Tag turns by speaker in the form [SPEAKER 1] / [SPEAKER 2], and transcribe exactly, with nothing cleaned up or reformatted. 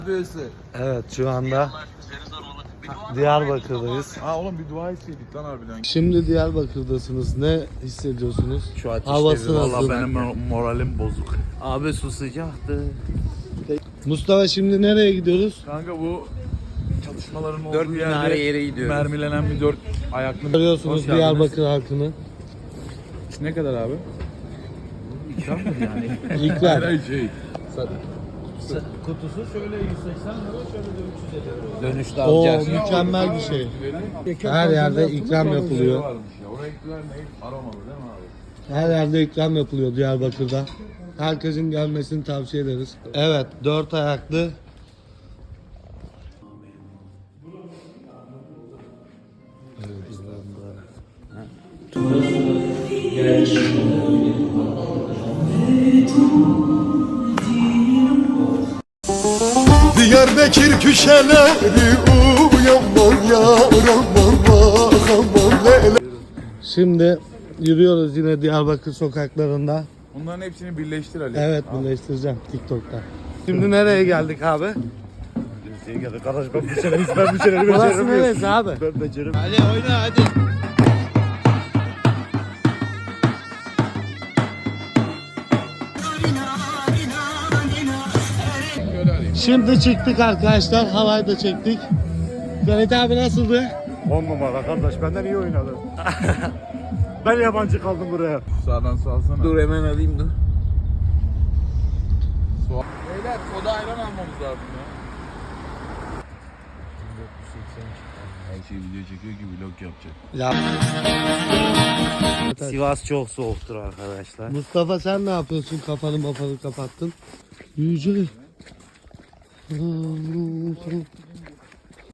[SPEAKER 1] Evet, şu anda Diyarbakır'dayız.
[SPEAKER 2] Ha oğlum bir dua istedik lan harbiden.
[SPEAKER 1] Şimdi Diyarbakır'dasınız. Ne hissediyorsunuz?
[SPEAKER 3] Şu ateşte
[SPEAKER 1] Havası
[SPEAKER 3] valla
[SPEAKER 1] nasıl?
[SPEAKER 3] benim moralim bozuk. Abi su sıcaktı.
[SPEAKER 1] Mustafa, şimdi nereye gidiyoruz?
[SPEAKER 2] Kanka bu çalışmaların olduğu
[SPEAKER 3] Dört
[SPEAKER 2] yerde
[SPEAKER 3] minare yere gidiyoruz.
[SPEAKER 2] mermilenen bir dört ayaklı.
[SPEAKER 1] Görüyorsunuz
[SPEAKER 2] Hoş geldiniz.
[SPEAKER 1] Diyarbakır halkını.
[SPEAKER 2] Ne kadar abi?
[SPEAKER 3] İkram mı yani?
[SPEAKER 1] İlkler.
[SPEAKER 2] Hayır şey.
[SPEAKER 3] Kutusu şöyle yüz seksen lira, şöyle de üç yüz lira. Dönüşte
[SPEAKER 1] O
[SPEAKER 3] alacağız.
[SPEAKER 1] mükemmel bir şey. Her yerde ikram yapılıyor.
[SPEAKER 2] Varmış ya. O renkler ne? Aromalı değil mi abi?
[SPEAKER 1] Her yerde ikram yapılıyor Diyarbakır'da. Herkesin gelmesini tavsiye ederiz. Evet, dört ayaklı.
[SPEAKER 4] Diyarbakır köşeleri uyanmam yaram aman aman lele.
[SPEAKER 1] Şimdi yürüyoruz yine Diyarbakır sokaklarında.
[SPEAKER 2] Bunların hepsini birleştir Ali.
[SPEAKER 1] Evet, birleştireceğim TikTok'ta. Şimdi nereye geldik abi?
[SPEAKER 3] Kardeş ben bir şeyler ben bir şeyler
[SPEAKER 1] Burası neresi abi?
[SPEAKER 3] Ben becerim.
[SPEAKER 1] Hadi oyna hadi. Şimdi çıktık arkadaşlar. Havayı da çektik. Ferit abi nasıldı?
[SPEAKER 3] On numara kardeş benden iyi oynadın. Ben yabancı kaldım buraya.
[SPEAKER 2] Sağdan su alsana.
[SPEAKER 3] Dur hemen alayım da.
[SPEAKER 2] Su al. Beyler soda ayran almamız lazım ya. Her şey video çekiyor ki vlog yapacak.
[SPEAKER 1] Ya.
[SPEAKER 3] Sivas çok soğuktur arkadaşlar.
[SPEAKER 1] Mustafa sen ne yapıyorsun? Kafanı mafanı kapattın. Yüce.